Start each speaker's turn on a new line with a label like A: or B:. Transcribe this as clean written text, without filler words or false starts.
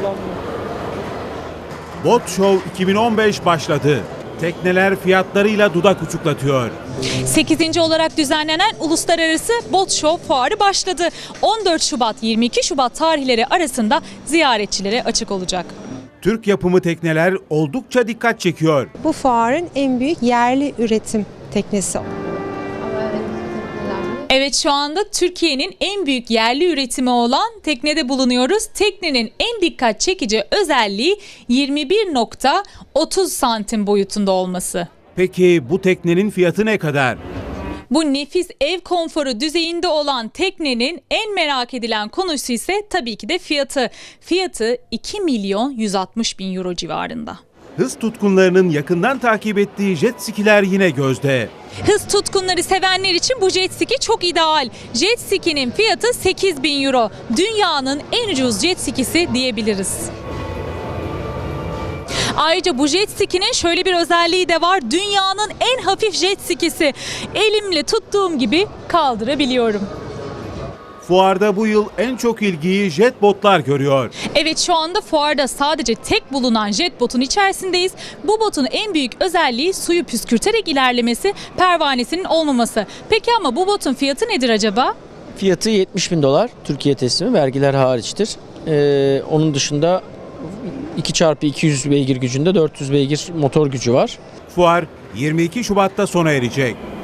A: Bot Show 2015 başladı. Tekneler fiyatlarıyla dudak uçuklatıyor.
B: 8. olarak düzenlenen Uluslararası Bot Show fuarı başladı. 14 Şubat 22 Şubat tarihleri arasında ziyaretçilere açık olacak.
A: Türk yapımı tekneler oldukça dikkat çekiyor.
C: Bu fuarın en büyük yerli üretim teknesi.
B: Evet, şu anda Türkiye'nin en büyük yerli üretimi olan teknede bulunuyoruz. Teknenin en dikkat çekici özelliği 21.30 santim boyutunda olması.
A: Peki bu teknenin fiyatı ne kadar?
B: Bu nefis ev konforu düzeyinde olan teknenin en merak edilen konusu ise tabii ki de fiyatı. Fiyatı 2 milyon 160 bin euro civarında.
A: Hız tutkunlarının yakından takip ettiği jet skiler yine gözde.
B: Hız tutkunları sevenler için bu jet ski çok ideal. Jet ski'nin fiyatı 8 bin euro. Dünyanın en ucuz jet skisi diyebiliriz. Ayrıca bu jet ski'nin şöyle bir özelliği de var. Dünyanın en hafif jet skisi. Elimle tuttuğum gibi kaldırabiliyorum.
A: Fuarda bu yıl en çok ilgiyi jet botlar görüyor.
B: Evet, şu anda fuarda sadece tek bulunan jet botun içerisindeyiz. Bu botun en büyük özelliği suyu püskürterek ilerlemesi, pervanesinin olmaması. Peki ama bu botun fiyatı nedir acaba?
D: Fiyatı 70 bin dolar Türkiye teslimi, vergiler hariçtir. Onun dışında 2x200 beygir gücünde 400 beygir motor gücü var.
A: Fuar 22 Şubat'ta sona erecek.